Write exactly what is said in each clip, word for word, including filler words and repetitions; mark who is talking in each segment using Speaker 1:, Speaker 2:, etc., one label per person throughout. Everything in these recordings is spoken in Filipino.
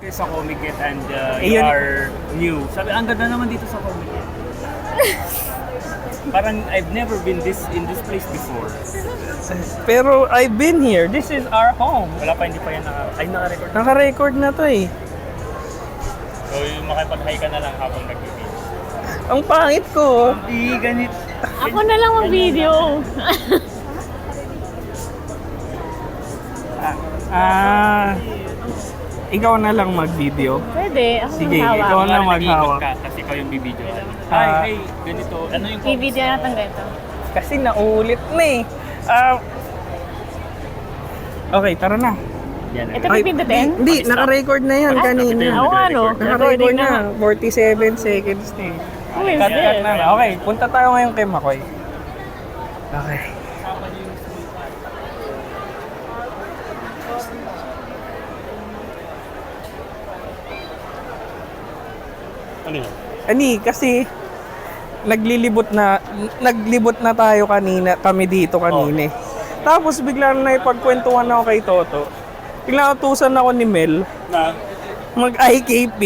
Speaker 1: dati sa Comiket and uh,
Speaker 2: Eh,
Speaker 1: you
Speaker 2: yun-
Speaker 1: are new. Sabi, ang ganda naman dito sa Comiket. Parang I've never been this in this place before.
Speaker 2: Pero I've been here. This is our home.
Speaker 1: Wala pa, hindi pa yan naka... Ay, naka-record.
Speaker 2: Naka-record na to eh.
Speaker 1: So, yung makipag-hi ka na lang habang nag-video.
Speaker 2: Ang pangit ko.
Speaker 1: Hindi, ganit.
Speaker 3: Ako na lang mag-video.
Speaker 2: Ah, ikaw na lang mag-video.
Speaker 3: Pwede, ako
Speaker 2: Sige,
Speaker 3: maghawak.
Speaker 2: ikaw na
Speaker 1: Kunwari,
Speaker 2: maghawak.
Speaker 1: nag-iikot ka, kasi ikaw yung bibidyo.
Speaker 2: Ah.
Speaker 1: Hi, hey, ganito. Ano yung...
Speaker 3: I-video natin ganito.
Speaker 2: Kasi naulit na eh. Ah, okay, tara na.
Speaker 1: Yan,
Speaker 3: Ito
Speaker 2: Ay,
Speaker 3: pipindutin?
Speaker 2: Hindi, naka-record na yan
Speaker 3: Ah,
Speaker 2: kanina.
Speaker 3: Oo nga no.
Speaker 2: Naka-record
Speaker 3: Recording
Speaker 2: na. forty-seven seconds na eh.
Speaker 3: Uy,
Speaker 2: Cut,
Speaker 3: sis.
Speaker 2: cut na. Okay, punta tayo ngayon kay Makoy. Okay.
Speaker 1: Ano yun?
Speaker 2: Ani, kasi naglilibot na naglibot na tayo kanina, kami dito kanina. eh. Tapos biglang na ipagkwentuhan ako kay Toto. Biglang utusan ako ni Mel
Speaker 1: Na?
Speaker 2: mag-I K P.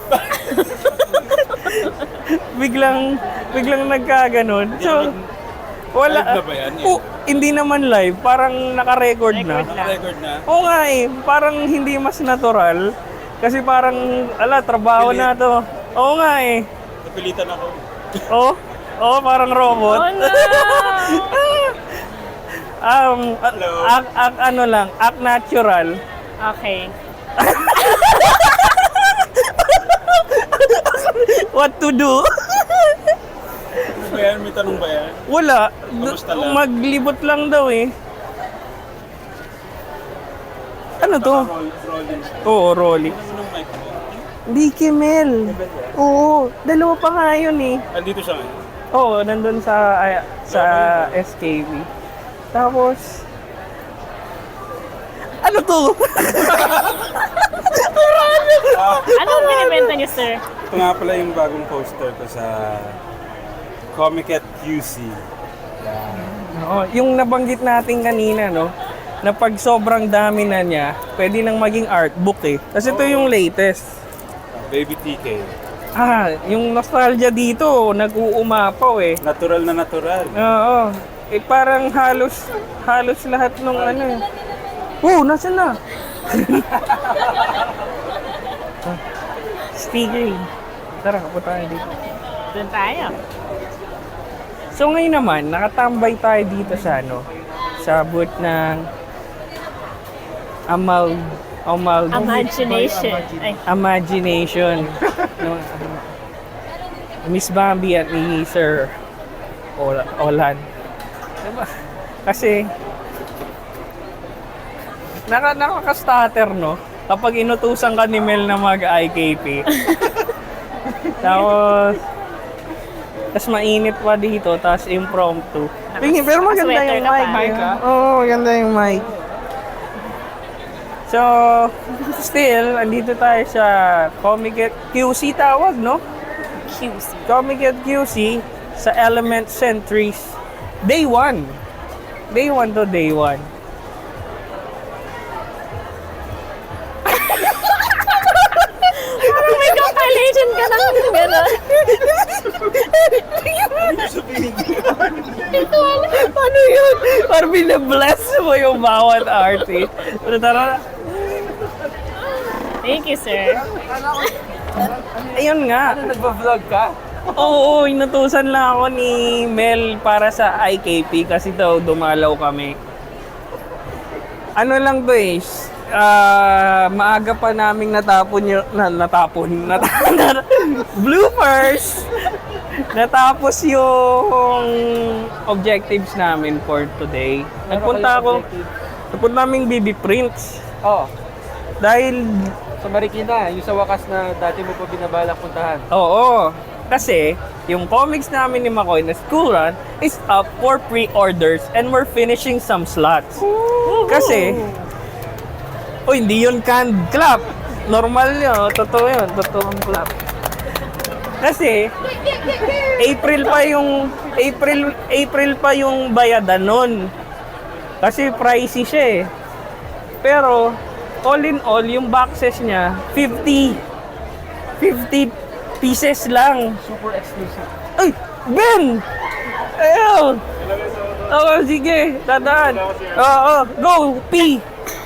Speaker 2: biglang biglang nagkaganon. So wala.
Speaker 1: Live na ba yan?
Speaker 2: Oh, hindi naman live, parang naka-record na.
Speaker 1: Naka-record na?
Speaker 2: Oo nga eh, parang hindi mas natural. Kasi parang, ala, trabaho na to. Oo nga eh.
Speaker 1: Napilitan ako.
Speaker 2: Oo, oo, parang robot.
Speaker 3: Oh no!
Speaker 2: um, a-
Speaker 1: Hello.
Speaker 2: act, act, ano lang, act natural.
Speaker 3: Okay.
Speaker 2: What to do?
Speaker 1: Ano ba yan? May tanong ba yan?
Speaker 2: Wala.
Speaker 1: Kamusta lang?
Speaker 2: Maglibot lang daw eh. Ano to?
Speaker 1: Roll, rolling siya.
Speaker 2: Oo, Rolly.
Speaker 1: Ano nung mic mo?
Speaker 2: Hindi, Kimel. Oo, dalawa pa nga yun eh.
Speaker 1: Andito siya ngayon.
Speaker 2: Oo, nandun sa ay, sa S K V. Tapos, ano to?
Speaker 3: Anong binibenta niyo, sir?
Speaker 4: Ito nga pala yung bagong poster ko sa Comiket Q C.
Speaker 2: Oo, yung nabanggit natin kanina, no? Na pag sobrang dami na niya, pwede nang maging art book eh. Kasi ito yung latest.
Speaker 4: Baby T K.
Speaker 2: Ah, yung nostalgia dito, nag-uumapaw eh.
Speaker 4: Natural na natural.
Speaker 2: Oo. Eh parang halos, halos lahat nung ano eh. Oh, nasa na? Sticker. Tara, kapunta tayo dito.
Speaker 3: Doon tayo.
Speaker 2: So ngayon naman, nakatambay tayo dito sa ano, sa booth ng Amal Amal
Speaker 3: Imagination. Ay,
Speaker 2: Imagination. No, Miss Bambi at ni Sir Ol- Olan. Diba? Kasi naka nakaka-stutter, no? Kapag inutusan ka ni Mel na mag-I K P. Tapos tas mainit pa dito, tas impromptu. Tingin, pero maganda
Speaker 3: Sweater
Speaker 2: yung
Speaker 3: ka
Speaker 2: mic.
Speaker 3: pa.
Speaker 2: eh. Oo, maganda yung mic. So, still, andito tayo sa Comiket Q C tawag, no?
Speaker 3: Q C.
Speaker 2: Comiket Q C sa Element Centuries. Day one. Day one to day one.
Speaker 3: Parang may compilation ka ng gano'n. Ito wala.
Speaker 2: Ano yun? Parang binabless mo yung bawat artist. Pero tara,
Speaker 3: Thank you, sir.
Speaker 2: ayun nga.
Speaker 1: Nagpa-vlog ka?
Speaker 2: Oo, inutusan lang ako ni Mel para sa I K P kasi daw dumalaw kami. Ano lang to eh, ah, maaga pa naming natapon yung, na, natapon, nat, bloopers! Natapos yung objectives namin for today. Nagpunta ako, nagpunta naming B B Prints.
Speaker 1: Oo.
Speaker 2: Dahil,
Speaker 1: Sa Marikina, yung sa wakas na dati mo pa binabalak puntahan.
Speaker 2: oo, kasi yung comics namin ni Makoy na school run is up for pre-orders and we're finishing some slots. Kasi, oh, hindi yun canned clap. Normal yun, totoo yun, totoong clap. Kasi, April pa yung, April, April pa yung bayadan nun. Kasi pricey siya eh. Pero, all in all, yung boxes niya, fifty. fifty pieces lang.
Speaker 1: Super exclusive.
Speaker 2: Ay! Ben! Ayun! Oo, sige. Dadaan. Oo, go! P!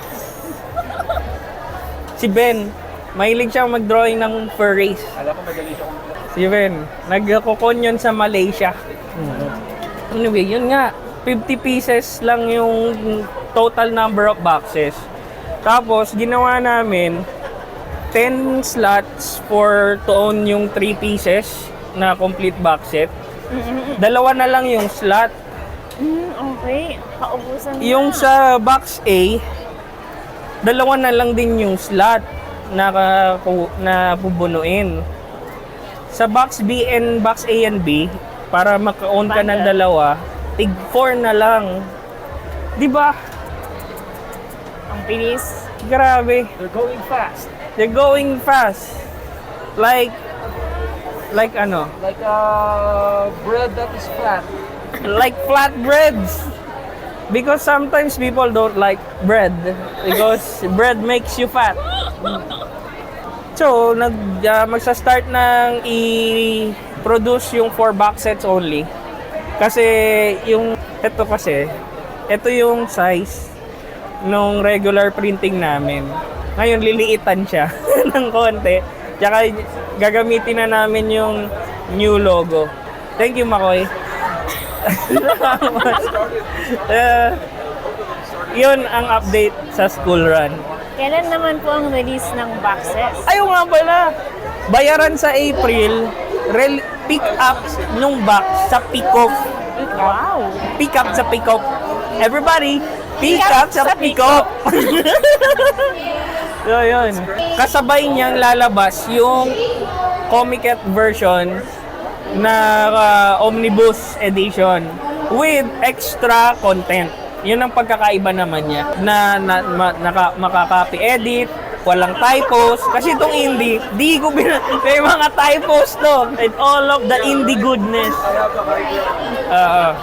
Speaker 2: Si Ben, mahilig siyang mag-drawing ng furries.
Speaker 1: Alam ko magaling siya kung
Speaker 2: Si Ben, nagkukon yun sa Malaysia. Anyway, yun nga. fifty pieces lang yung total number of boxes. Tapos, ginawa namin ten slots for to own yung three pieces na complete box set. Dalawa na lang yung slot.
Speaker 3: Mm, okay. Paubusan na.
Speaker 2: Yung sa box A, dalawa na lang din yung slot na, ka- na pubunuin. Sa box B and box A and B, para maka-own ka ng dalawa, tig four na lang. Di ba?
Speaker 3: Ang bilis.
Speaker 2: Grabe.
Speaker 1: they're going fast.
Speaker 2: They're going fast. Like, like ano?
Speaker 1: Like a bread that is flat.
Speaker 2: Like flatbreads. Because sometimes people don't like bread because bread makes you fat. So, nag uh, magsa-start ng i-produce yung four box sets only. Kasi yung ito kasi, ito yung size nung regular printing namin. Ngayon liliitan siya ng konti. Tsaka gagamitin na namin yung new logo. Thank you, Makoy. uh, yun ang update sa school run.
Speaker 3: Kailan naman po ang release ng boxes?
Speaker 2: Ayaw nga pala. Bayaran sa April, rel- pick up nung box sa pick-off.
Speaker 3: Wow!
Speaker 2: Pick up sa pick-off. Everybody, pick up sa pick-off. So, yun. Kasabay niyang lalabas yung Comiket version na uh, omnibus edition with extra content. Yun ang pagkakaiba naman niya na, na ma, naka, makaka-copy edit, walang typos. Kasi itong indie, di ko bin... May mga typos to. And all of the indie goodness. Uh,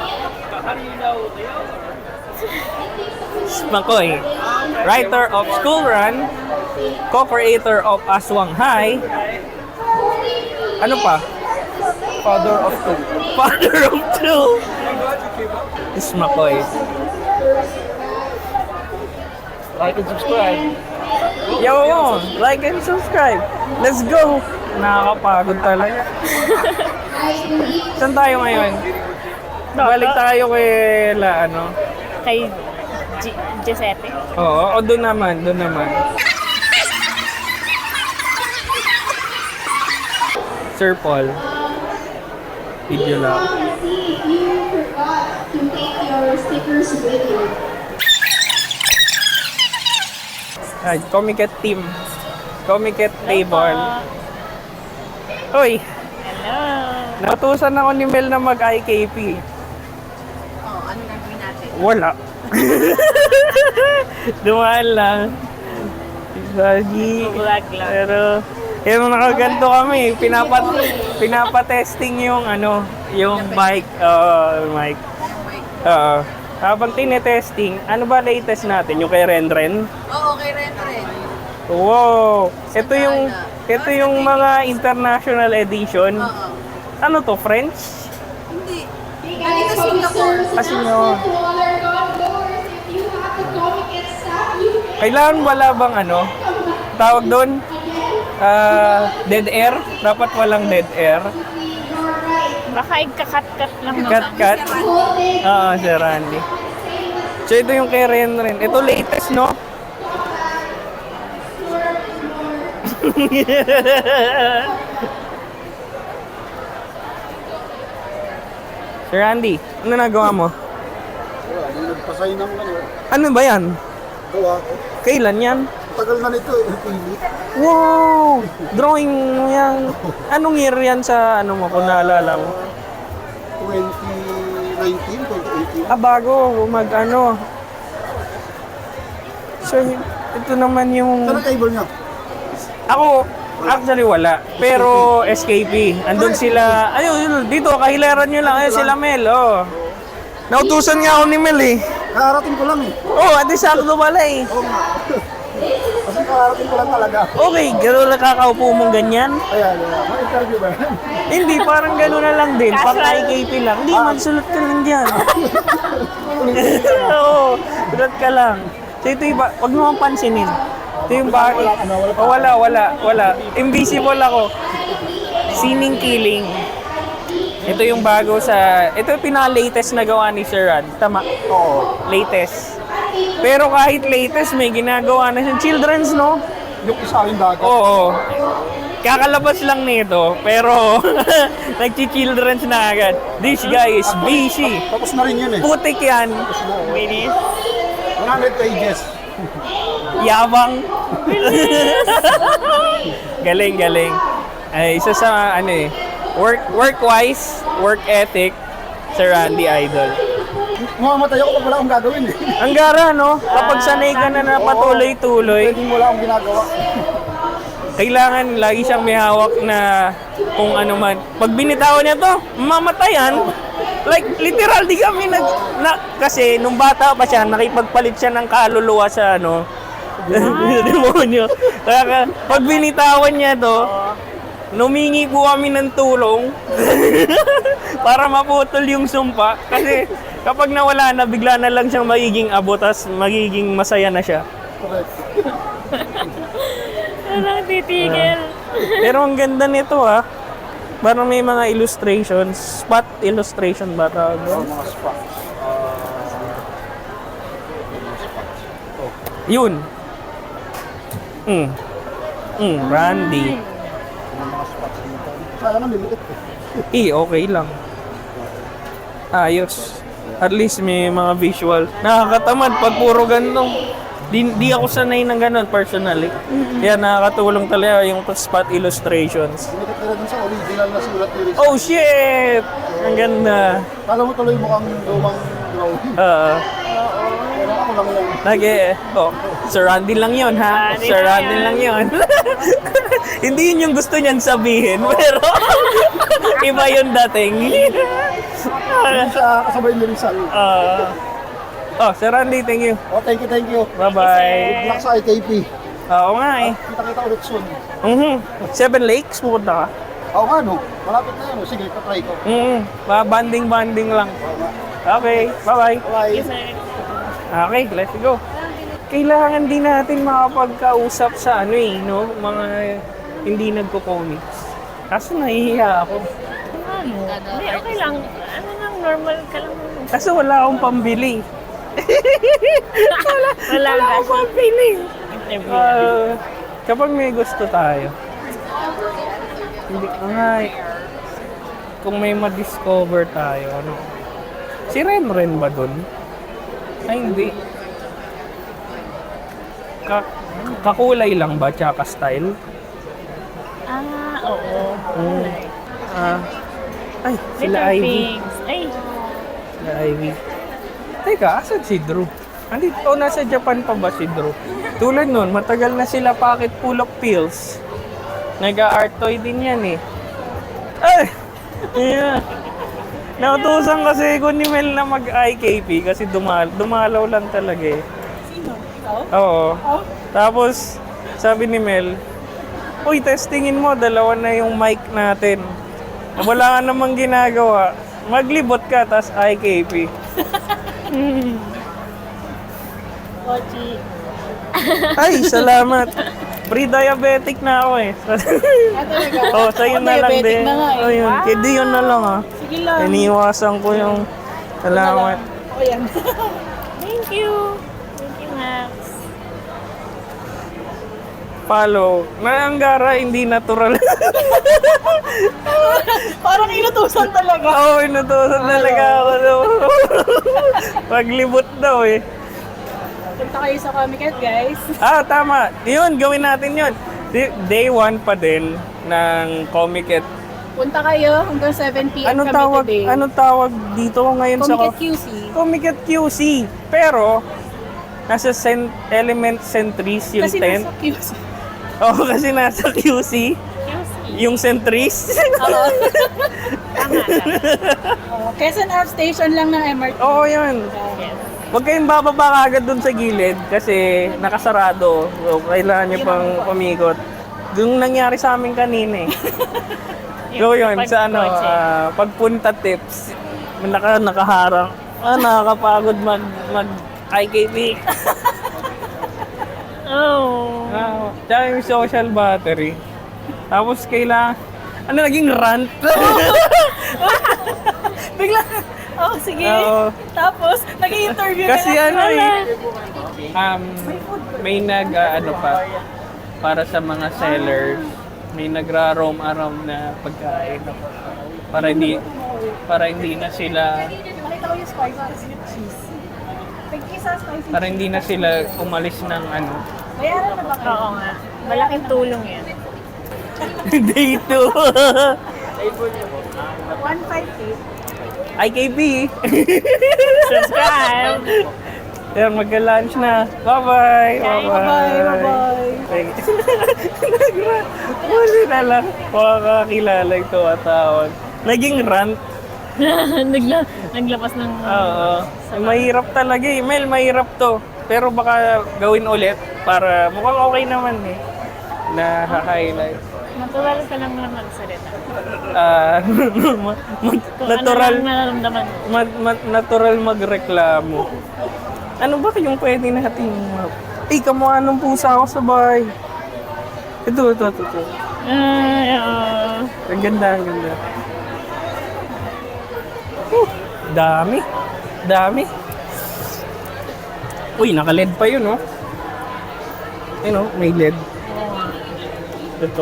Speaker 2: Makoy, writer of School Run, co-creator of Aswang High. Ano pa?
Speaker 1: Father of two.
Speaker 2: Father of two. Is Makoy.
Speaker 1: Like and subscribe.
Speaker 2: Yo, like and subscribe. Let's go. Nakakapagod talaga. Saan tayo ngayon? Balik tayo kay la ano.
Speaker 3: Kay G- Giuseppe.
Speaker 2: Oo, o doon naman, doon naman. Sir Paul. Video lang. Ay, Comiket team. Comiket table. Hoy,
Speaker 3: Hello!
Speaker 2: natusan ako ni Mel na mag-I K P.
Speaker 5: Oh, ano gagawin natin?
Speaker 2: Wala. Dumaan lang. Sagi.
Speaker 3: Vlog lang.
Speaker 2: Pero, yung nakaganto kami, pinapat, pinapa-testing yung ano, yung bike, uh, mic. Oo. Habang tinetesting, ano ba latest natin? Yung kay Renren?
Speaker 5: Oo, okay, rin rin.
Speaker 2: Wow! Ito yung, ito yung mga international edition.
Speaker 5: Oo.
Speaker 2: Ano to, French?
Speaker 5: Hindi. Dito Singapore.
Speaker 2: Kasi nyo. Kailangan wala bang ano? Tawag doon? Ah, dead air? Dapat walang dead air.
Speaker 3: Baka ikakat-kat lang. no?
Speaker 2: Cut, cut. Oo, si Randy. So, ito yung kay Ren Ren. Ito latest, no? Sir Randy, ano nagawa mo?
Speaker 6: Nagpasay ng ano,
Speaker 2: Ano ba yan?
Speaker 6: gawa ko.
Speaker 2: Kailan yan?
Speaker 6: Tagal na nito eh, pili.
Speaker 2: Wow! Drawing mo yan. Anong year yan sa ano mo, kung naalala mo?
Speaker 6: twenty nineteen, twenty eighteen.
Speaker 2: Ah, bago mag ano. So, ito naman yung...
Speaker 6: Saan ang cable niya?
Speaker 2: Ako, actually wala. Pero S K P. Andun sila... Ayun, dito, kahilaran nyo lang. Ayun sila Mel, oh. Nautusan nga ako ni Mel eh.
Speaker 6: Kakarating ko lang eh.
Speaker 2: Oh, adi sakto pala eh.
Speaker 6: Oo nga. kakarating ko lang talaga.
Speaker 2: Okay, gano'n lang kakaupo mong ganyan?
Speaker 6: Ayan, ayan. May interview ba yan?
Speaker 2: Hindi, parang gano'n na lang din. Pang I K P lang. Hindi, magsulot ka lang dyan. Oo, sulat ka lang. So ito yung, ba- wag mo mong pansinin. Ito yung ba... Oh, wala, wala, wala. Invisible ako. Sining Killing. Ito yung bago sa... Ito yung pinaka-latest na gawa ni Sir Rad. Tama?
Speaker 6: Oo.
Speaker 2: Latest. Pero kahit latest, may ginagawa na siyang children's, no?
Speaker 6: Yung isa yung dagat.
Speaker 2: Oo. Kakalabas lang nito, pero nagchi-children's na agad. This guy is busy.
Speaker 6: Tapos na rin yun eh.
Speaker 2: Putik yan.
Speaker 3: Bilis.
Speaker 6: one hundred pages.
Speaker 2: Yabang. Galing, galing. Ay, isa sa ano eh, work work-wise, work ethic, Sir Randy Idol.
Speaker 6: Mamamatay ako pag wala akong gagawin eh.
Speaker 2: Ang gara, no? Kapag sanay ka na na patuloy-tuloy,
Speaker 6: Pwedeng wala akong ginagawa.
Speaker 2: kailangan lagi siyang may hawak na kung ano man. Pag binitawan niya to, mamatayan. Like, literal, di kami nag... Na, kasi, nung bata pa siya, nakipagpalit siya ng kaluluwa sa ano, demonyo. Kaya, pag binitawan niya to, numingi po kami ng tulong para maputol yung sumpa. Kasi, kapag nawala na, bigla na lang siyang magiging abo, tas magiging masaya na siya.
Speaker 6: Correct.
Speaker 3: Walang titigil.
Speaker 2: Pero ang ganda nito ah. Parang may mga illustrations. Spot illustration ba tawag doon?
Speaker 6: Mga spa.
Speaker 2: Yun. Mm. Mm, Randy.
Speaker 6: Mga spots dito. Kaya na limited eh.
Speaker 2: Eh, okay lang. Ayos. At least may mga visual. Nakakatamad pag puro ganito. Di, di ako sanay ng ganun personally. Kaya nakakatulong talaga yung spot illustrations.
Speaker 6: Limited na rin sa original na sulat ni Rizal.
Speaker 2: Oh shit! Ang ganda.
Speaker 6: Kala mo tuloy mukhang lumang drawing.
Speaker 2: Oo.
Speaker 6: Pero ako lang yan.
Speaker 2: Lagi, oh, Sir Randy lang yun, ha?
Speaker 3: Randy
Speaker 2: Sir
Speaker 3: lang
Speaker 2: Randy
Speaker 3: yan.
Speaker 2: lang yun. Hindi yun yung gusto niyan sabihin, pero iba yung dating.
Speaker 6: Yung sa kasabay ni Rizal.
Speaker 2: Ah. oh, Sir Randy, thank you.
Speaker 6: Oh, thank you, thank you.
Speaker 2: Bye-bye.
Speaker 6: Good luck sa I K P.
Speaker 2: Oo nga eh.
Speaker 6: Kita-kita ulit soon.
Speaker 2: Mhm. Seven Lakes, pupunta ka?
Speaker 6: Oo nga no, malapit na yan. Sige, katry ko.
Speaker 2: Mhm. Banding-banding lang. Okay, bye-bye.
Speaker 6: Bye.
Speaker 2: Okay, let's go. Kailangan din natin makapagkausap sa ano eh, no? Mga hindi nagko-comics. Kaso nahihiya ako.
Speaker 3: Ano? Hindi, okay lang. Ano lang, normal ka lang.
Speaker 2: Kaso wala akong pambili. wala,
Speaker 3: Wala
Speaker 2: wala
Speaker 3: ka.
Speaker 2: akong pambili.
Speaker 3: Interview.
Speaker 2: Ah, kapag may gusto tayo, hindi ko nga eh. Kung may ma-discover tayo, ano? Si Ren Ren ba dun? Ay, hindi. Ka kakulay lang ba, tsaka style?
Speaker 3: Ah, oo.
Speaker 2: Mm. Ah, ay, sila
Speaker 3: Little
Speaker 2: Ivy.
Speaker 3: Pigs. Ay,
Speaker 2: Sila Ivy. Teka, asan si Drew? Andito, oh, nasa Japan pa ba si Drew? Tulad nun, matagal na sila pocket full of pills. Nag-art toy din yan eh. Ay! Yeah. Nautusan kasi ko ni Mel na mag-I K P kasi dumal dumalaw lang talaga eh. Sino? Oo. Tapos, sabi ni Mel, uy, testingin mo, dalawa na yung mic natin. Wala ka namang ginagawa. Maglibot ka, tas I K P.
Speaker 3: Kochi.
Speaker 2: Ay, salamat. Pre-diabetic na ako eh. oh, sa'yo na lang din. Oh, yun. Kedi yun na lang ah.
Speaker 5: Sige lang.
Speaker 2: Iniwasan ko yung salamat.
Speaker 5: O yan.
Speaker 3: Thank you. Thank you, Max.
Speaker 2: Follow. Naanggara, hindi natural.
Speaker 5: Parang inutusan talaga.
Speaker 2: Oo, oh, inutusan talaga ako. Paglibot daw eh.
Speaker 5: Punta kayo sa Comic-Con, guys.
Speaker 2: Ah, tama. Yun, gawin natin yun. Di- Day one pa din ng Comic-Con.
Speaker 5: Punta kayo hanggang seven p m
Speaker 2: Ano
Speaker 5: kami
Speaker 2: tawag,
Speaker 5: today.
Speaker 2: ano tawag dito ngayon sa
Speaker 5: Comic-Con Q C.
Speaker 2: Comic-Con Q C. Pero, nasa cent- element centris yung
Speaker 5: Kasi
Speaker 2: tent.
Speaker 5: nasa Q C.
Speaker 2: Oo, oh, kasi nasa Q C. Yung centris.
Speaker 5: Oo. Oh, Quezon Ave Station lang ng M R T.
Speaker 2: Oo, yun.
Speaker 3: Yes.
Speaker 2: Huwag kayong bababa agad dun sa gilid kasi nakasarado. So, kailangan nyo pang pumikot. Yung nangyari sa amin kanina eh. So yun, sa ano, ah, pagpunta tips, naka, nakaharang. Ah, nakakapagod mag, mag I K P.
Speaker 3: Oh.
Speaker 2: Ah, tsaka yung social battery. Tapos kailangan, ano naging rant?
Speaker 5: Bigla, oh sige.
Speaker 2: Oo.
Speaker 5: Tapos, nag-interview
Speaker 2: Kasi
Speaker 5: ka
Speaker 2: ano eh, um, may nag, ah, ano pa, para sa mga sellers, may nagra-roam around na pagkain. Para hindi, para hindi na sila,
Speaker 5: Nakita ko yung spicy cheese. Tag-isa spicy
Speaker 2: para hindi na sila umalis ng ano.
Speaker 5: Bayaran na ba kayo?
Speaker 3: Oo nga. Malaking tulong yan.
Speaker 2: Dito.
Speaker 5: one fifty.
Speaker 2: I K P.
Speaker 3: Subscribe!
Speaker 2: Yan, magka-lunch na. Bye-bye.
Speaker 5: Bye-bye, bye-bye.
Speaker 2: Huli na lang. Makakakilala ito atawag. Naging rant.
Speaker 3: Nagla naglapas ng...
Speaker 2: Oo. Mahirap talaga eh. Mel, mahirap to. Pero baka gawin ulit para mukhang okay naman eh. Na-highlight.
Speaker 3: Natural ka lang naman magsalita.
Speaker 2: Ah, ma- ma-
Speaker 3: Kung
Speaker 2: natural,
Speaker 3: ano lang nararamdaman mo.
Speaker 2: ma- ma- natural magreklamo. Ano ba yung pwede natin? Eh, kamukha ng pusa ako sa bahay. Ito, ito, ito. ito.
Speaker 3: Ay, oo.
Speaker 2: Ang ganda, ang ganda. Uh, dami. Dami. Uy, naka-L E D pa yun, oh. Ayun, oh, may L E D. Ito.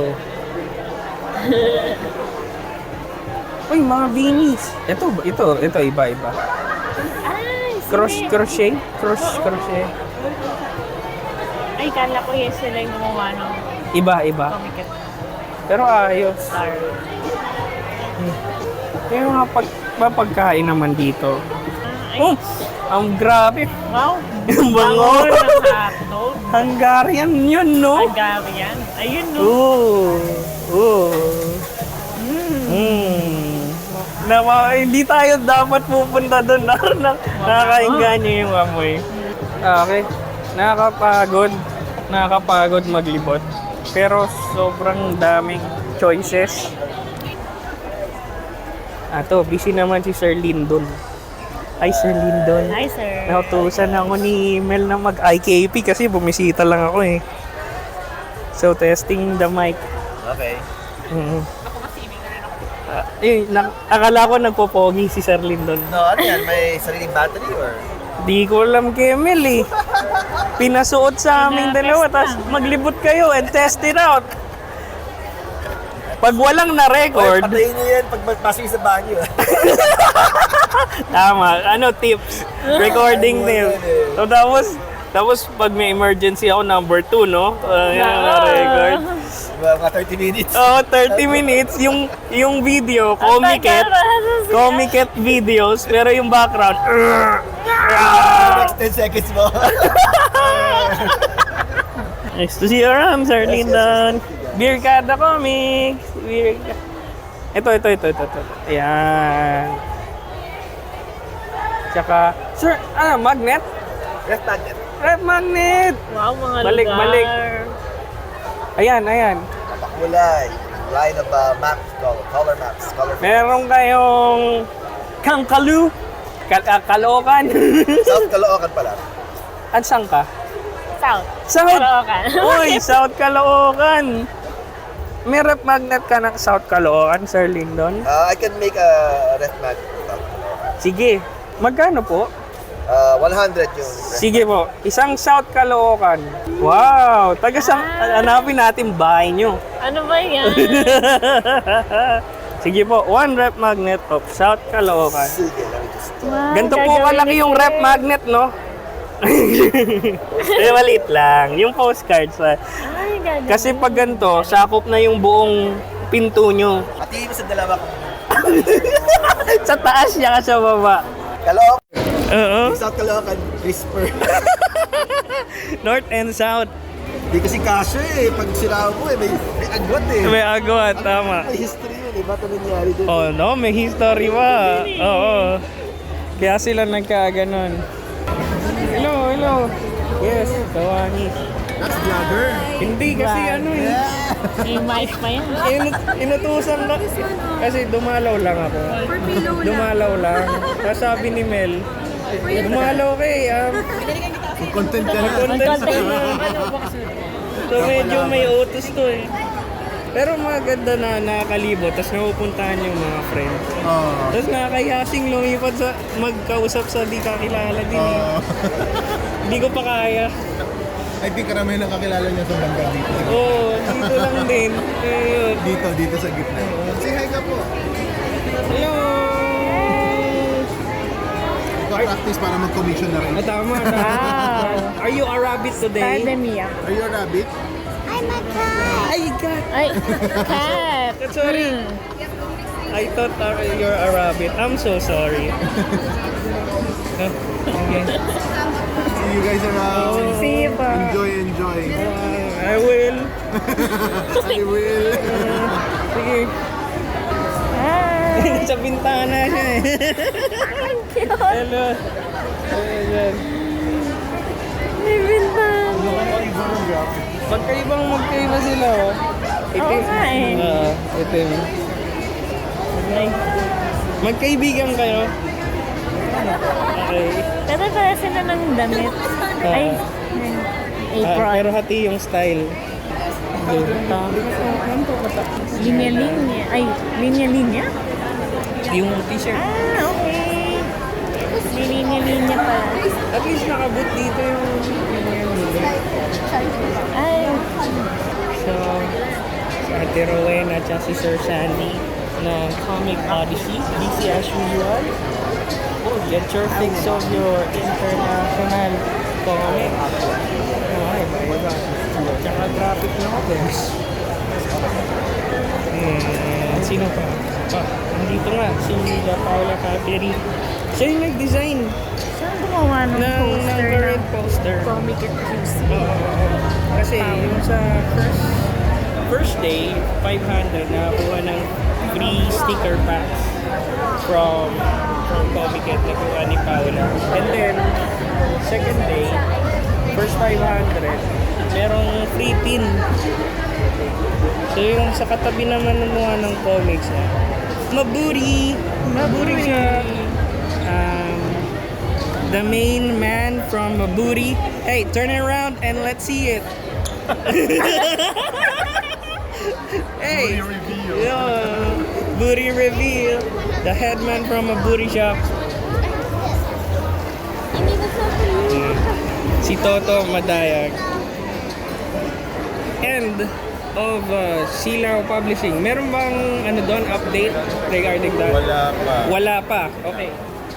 Speaker 2: Uy, mga beanies. Ito, ito, ito, iba, iba.
Speaker 3: Ay,
Speaker 2: Cross,
Speaker 3: sige.
Speaker 2: crochet? Cross, crochet.
Speaker 3: Ay, kala ko yes sila yung gumawa ng
Speaker 2: Iba, iba.
Speaker 3: comic.
Speaker 2: Pero ayos.
Speaker 3: Sorry.
Speaker 2: Yung mga pag, mga pagkain naman dito.
Speaker 3: Ay,
Speaker 2: Oh, ang grabe.
Speaker 3: wow.
Speaker 2: Ang bango.
Speaker 3: Bango ng hotdog.
Speaker 2: Hungarian yun, no?
Speaker 3: Hungarian. Ayun, no.
Speaker 2: Oo. Oo. Mm. Nawa, hindi tayo dapat pupunta doon. Na, nakakainganyo yung amoy. Okay. Nakakapagod. Nakakapagod maglibot. Pero sobrang daming choices. Ato, busy naman si Sir Lindon. Ay, Sir Lindon.
Speaker 3: Hi, sir.
Speaker 2: Nautusan ako ni Mel na mag-I K P kasi bumisita lang ako eh. So, testing the mic.
Speaker 6: Okay.
Speaker 2: Mm. Uh, eh, na, akala ko nagpopogi si Sir Lindon.
Speaker 6: No, ano yan? May sariling battery or?
Speaker 2: Di ko alam kay Mel eh. Pinasuot sa aming dalawa, tapos maglibot kayo and test it out. Pag walang na-record,
Speaker 6: Patayin niyo yan pag pasok sa banyo.
Speaker 2: tama, ano tips? Recording tips. So tapos, tapos pag may emergency ako, number two, no? Uh, yan, record.
Speaker 6: Mga thirty minutes.
Speaker 2: Oo, thirty minutes. Yung yung video, comiket. Comiket videos, pero yung background,
Speaker 6: Next ten seconds mo.
Speaker 2: Nice to see you around, Sir Lindon. Beer Kada Comics. Beer Ka- Ito, ito, ito, ito, ito. Ayan. Tsaka, Sir, ano, magnet?
Speaker 6: Ref magnet.
Speaker 2: Red magnet!
Speaker 3: Wow, mga
Speaker 2: Balik,
Speaker 3: lugar.
Speaker 2: balik. Ayan, ayan.
Speaker 6: Pakulay. Line of uh, maps, color, color maps, color.
Speaker 2: Meron kayong Kangkalu. Kal ah, Caloocan.
Speaker 6: South Caloocan pala.
Speaker 2: At saan ka?
Speaker 3: South.
Speaker 2: South!
Speaker 3: Caloocan.
Speaker 2: Uy, South Caloocan! May rep magnet ka ng South Caloocan, Sir Lindon?
Speaker 6: Uh, I can make a ref magnet. South Caloocan.
Speaker 2: Sige. Magkano po?
Speaker 6: Uh, one hundred yung ref.
Speaker 2: Sige po. Isang South Caloocan. Wow! Taga sa... Hanapin natin bahay nyo.
Speaker 3: Ano ba yan?
Speaker 2: Sige po. One rep magnet of South Caloocan.
Speaker 6: Sige, let me just...
Speaker 3: Wow,
Speaker 2: Ganito po
Speaker 3: gagawin
Speaker 2: kalaki
Speaker 3: ni
Speaker 2: yung
Speaker 3: Sir.
Speaker 2: rep magnet, no? eh, maliit lang. Yung postcards. ah.
Speaker 3: Ay, gagawin.
Speaker 2: Kasi pag ganito, sakop na yung buong pinto nyo.
Speaker 6: Pati mo sa dalawa ko.
Speaker 2: Sa taas niya ka sa baba.
Speaker 6: Caloocan.
Speaker 2: Oo.
Speaker 6: South Caloocan. Whisper.
Speaker 2: North and South.
Speaker 6: Hindi kasi kasya eh. Pag sila mo eh, may, may agwat eh.
Speaker 2: May agwat, tama.
Speaker 6: May history yun eh. Ba't ano nangyari doon?
Speaker 2: Oh no, may history pa. Oo. Kaya sila nagkaganon. hello. Yes, Kawanis.
Speaker 6: That's vlogger.
Speaker 2: Hindi kasi ano eh.
Speaker 3: Yung wife pa yan.
Speaker 2: Inut inutusan lang. Kasi dumalaw lang ako. Dumalaw lang. Tapos sabi ni Mel, dumalaw ka eh. Um,
Speaker 6: Content ka na.
Speaker 2: content ka na. So medyo may utos to eh. Pero maganda na nakakalibot, tapos napupuntahan yung mga friends.
Speaker 6: Oh.
Speaker 2: Tapos nakakayasing lumipad sa magkausap sa di kakilala din eh.
Speaker 6: Oh.
Speaker 2: Hindi ko pa kaya.
Speaker 6: I think karamihan ang kakilala niya sa bangga dito.
Speaker 2: Oo, oh, dito lang din. Ayun.
Speaker 6: Dito, dito sa gitna. Say hi ka po.
Speaker 2: Hello!
Speaker 6: Ika-practice para mag-commission na rin.
Speaker 2: Ah, tama na. Are you a rabbit today?
Speaker 3: Academia.
Speaker 6: Are you a rabbit?
Speaker 2: Ay, God!
Speaker 3: Ay, cat.
Speaker 2: Sorry. I thought uh, you're a rabbit. I'm so sorry. Ah, okay.
Speaker 6: See you guys around.
Speaker 3: See you pa.
Speaker 6: Enjoy, enjoy.
Speaker 2: Uh, I will.
Speaker 6: I will.
Speaker 2: Sige.
Speaker 3: Hi.
Speaker 2: Sa bintana siya eh. Hello. Ayan.
Speaker 3: May bintana.
Speaker 2: Magkaibang magkaiba sila oh.
Speaker 3: Oo nga eh.
Speaker 2: Ah, itim. Magkaibigan kayo? Okay.
Speaker 3: Pero pala sila ng damit. Ay, ng
Speaker 2: Ah,
Speaker 3: apron.
Speaker 2: pero hati yung style.
Speaker 3: Linya-linya. Ay, linya-linya?
Speaker 2: Yung t-shirt.
Speaker 3: Ah, okay. May linya-linya pala.
Speaker 2: At least nakabot dito yung...
Speaker 3: Ay,
Speaker 2: So, si Ate Rowena at si Sir Sandy ng Comic Odyssey. Busy as usual. Oh, get your fix of your international comic. Oh, iba iba. Tsaka traffic na ako. Hmm, sino pa? Ah, nandito nga, si La Paula Caperi. Siya yung nag-design
Speaker 3: saan gumawa ng
Speaker 2: ng, ng
Speaker 3: poster
Speaker 2: current
Speaker 3: ng
Speaker 2: poster.
Speaker 3: Comic at Q C?
Speaker 2: Kasi yung sa first first day, five hundred, nakakuha ng free sticker packs from from Comiket na kuha ni Paula. And then, second day, first five hundred, merong free pin. So yung sa katabi naman ng mga ng comics na, Maburi! Maburi siya! Um, the main man from Maburi. Hey, turn it around and let's see it. Hey,
Speaker 6: Booty reveal.
Speaker 2: yeah, booty reveal. The headman from a booty shop. Mm. Si Toto Madayag. End of uh, Silaw Publishing. Meron bang ano doon update regarding that?
Speaker 4: Wala pa.
Speaker 2: Wala pa. Okay.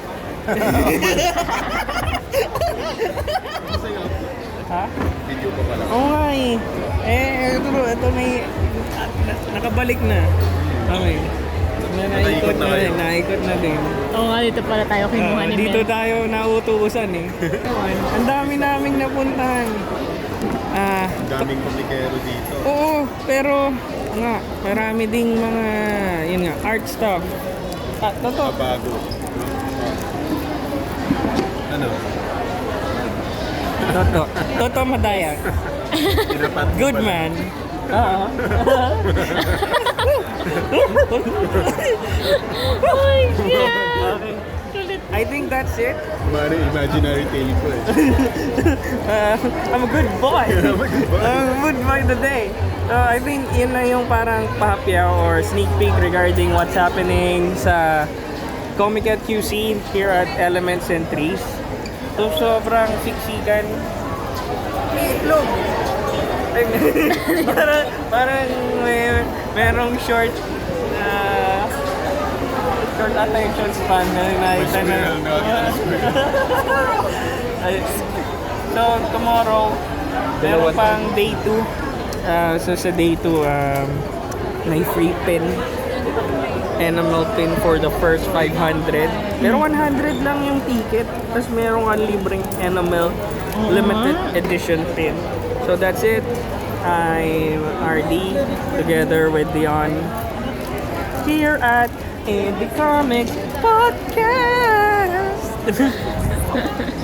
Speaker 2: Ha?
Speaker 6: Video pa pala.
Speaker 2: Oo nga eh. Eh, ito, ito may... na- nakabalik na. Okay. Na, naikot na,
Speaker 6: na kayo.
Speaker 2: naikot na din.
Speaker 3: Oo nga, dito pala tayo kinuha
Speaker 2: Ah,
Speaker 3: ni
Speaker 2: dito
Speaker 3: Mel.
Speaker 2: tayo nautuusan eh. Ang dami naming napuntahan. Ah,
Speaker 6: Ang daming komikero dito.
Speaker 2: oo, pero nga, marami ding mga, yun nga, art stuff. Ah, totoo.
Speaker 6: Bago. Ano?
Speaker 2: Toto. Toto Madaya.
Speaker 6: Tinapat mo
Speaker 2: Good
Speaker 6: pala.
Speaker 2: man. Oo.
Speaker 3: Oh my God!
Speaker 2: Okay.
Speaker 3: Kulit.
Speaker 2: I think that's it.
Speaker 6: Mari, imaginary tale ko eh.
Speaker 2: Uh, I'm a good boy.
Speaker 6: I'm a good boy.
Speaker 2: I'm a good boy today. So I think yun na yung parang pahapyaw or sneak peek regarding what's happening sa Comic at Q C here at Elements and Trees. So sobrang siksikan. May itlog. Ay, parang, parang may merong short uh, short attention span na nakita na.
Speaker 6: Squirrel, no?
Speaker 2: Ay, so tomorrow meron pang day two. Uh, so sa day two um, may free pin, enamel pin for the first five hundred. Pero one hundred lang yung ticket. Tapos merong kang libreng enamel limited edition pin. So that's it. I'm R D together with Dion here at Indie Comics Podcast.